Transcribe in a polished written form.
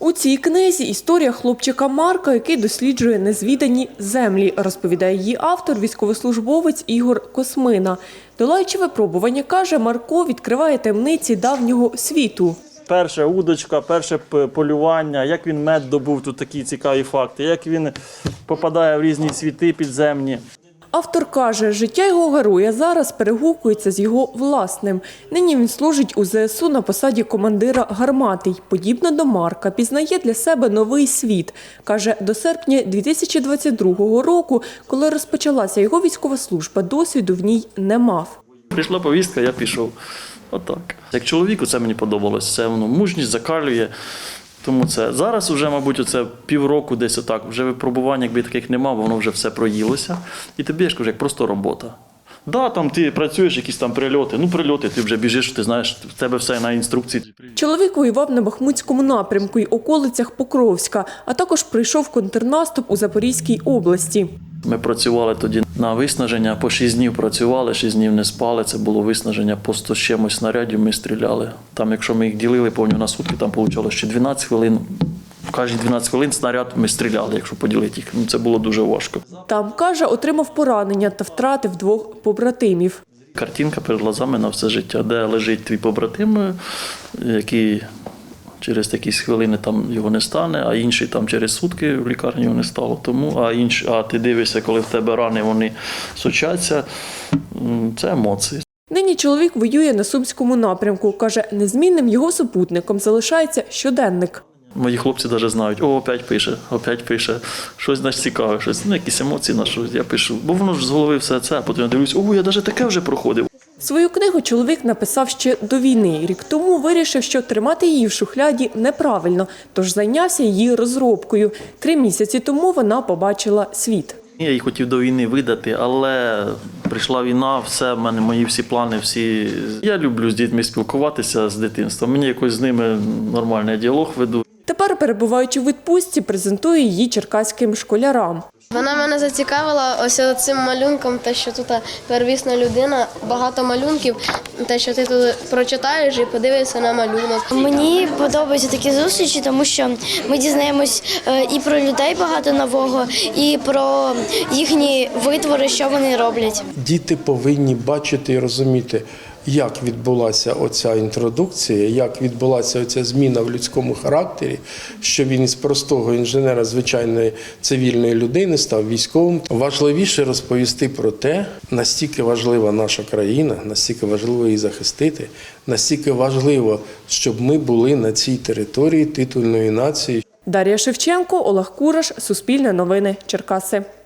У цій книзі історія хлопчика Марка, який досліджує незвідані землі, розповідає її автор, військовослужбовець Ігор Космина. Долаючи випробування, каже, Марко відкриває таємниці давнього світу. Перша удочка, перше полювання, як він мед добув, тут такі цікаві факти, як він попадає в різні світи підземні. Автор каже, життя його героя зараз перегукується з його власним. Нині він служить у ЗСУ на посаді командира гармати й, подібно до Марка, пізнає для себе новий світ. Каже, до серпня 2022 року, коли розпочалася його військова служба, досвіду в ній не мав. Прийшла повістка, я пішов. Отак. Як чоловіку це мені подобалось, це воно мужність закалює. Тому це зараз вже, мабуть, оце півроку десь отак, вже випробувань, якби таких нема, воно вже все проїлося. І тобі, я ж кажу, як просто робота. Да, там ти працюєш, якісь там прильоти, прильоти, ти вже біжиш, ти знаєш, в тебе все на інструкції. Чоловік воював на Бахмутському напрямку й околицях Покровська, а також прийшов контрнаступ у Запорізькій області. Ми працювали тоді на виснаження, по 6 днів працювали, 6 днів не спали, це було виснаження, по 100 з чимось снарядів ми стріляли. Там, якщо ми їх ділили повністю на сутки, там вийшло ще 12 хвилин. В кожні 12 хвилин снаряд ми стріляли, якщо поділити їх. Це було дуже важко. Там, каже, отримав поранення та втратив 2 побратимів. Картинка перед глазами на все життя, де лежить твій побратим, який через якісь хвилини там його не стане, а інший там через сутки в лікарні його не стало. Тому, а ти дивишся, коли в тебе рани, вони сочаться, це емоції. Нині чоловік воює на Сумському напрямку. Каже, незмінним його супутником залишається щоденник. Мої хлопці навіть знають, опять пише, щось значить цікаве, щось, якісь емоції на щось, я пишу. Бо воно ж з голови все це, а потім я дивлюсь, я навіть таке вже проходив. Свою книгу чоловік написав ще до війни. Рік тому вирішив, що тримати її в шухляді неправильно, тож зайнявся її розробкою. 3 місяці тому вона побачила світ. Я її хотів до війни видати, але прийшла війна, все, в мене мої всі плани, всі. Я люблю з дітьми спілкуватися з дитинства, мені якось з ними нормальний діалог веду. Тепер, перебуваючи в відпустці, презентує її черкаським школярам. Вона мене зацікавила ось цим малюнком, те, що тут первісна людина, багато малюнків, те, що ти тут прочитаєш і подивишся на малюнок. Мені подобаються такі зустрічі, тому що ми дізнаємось і про людей багато нового, і про їхні витвори, що вони роблять. Діти повинні бачити і розуміти, як відбулася оця інтродукція, як відбулася оця зміна в людському характері, що він із простого інженера, звичайної цивільної людини став військовим. Важливіше розповісти про те, настільки важлива наша країна, настільки важливо її захистити, настільки важливо, щоб ми були на цій території титульної нації. Дар'я Шевченко, Олег Кураш, Суспільне новини, Черкаси.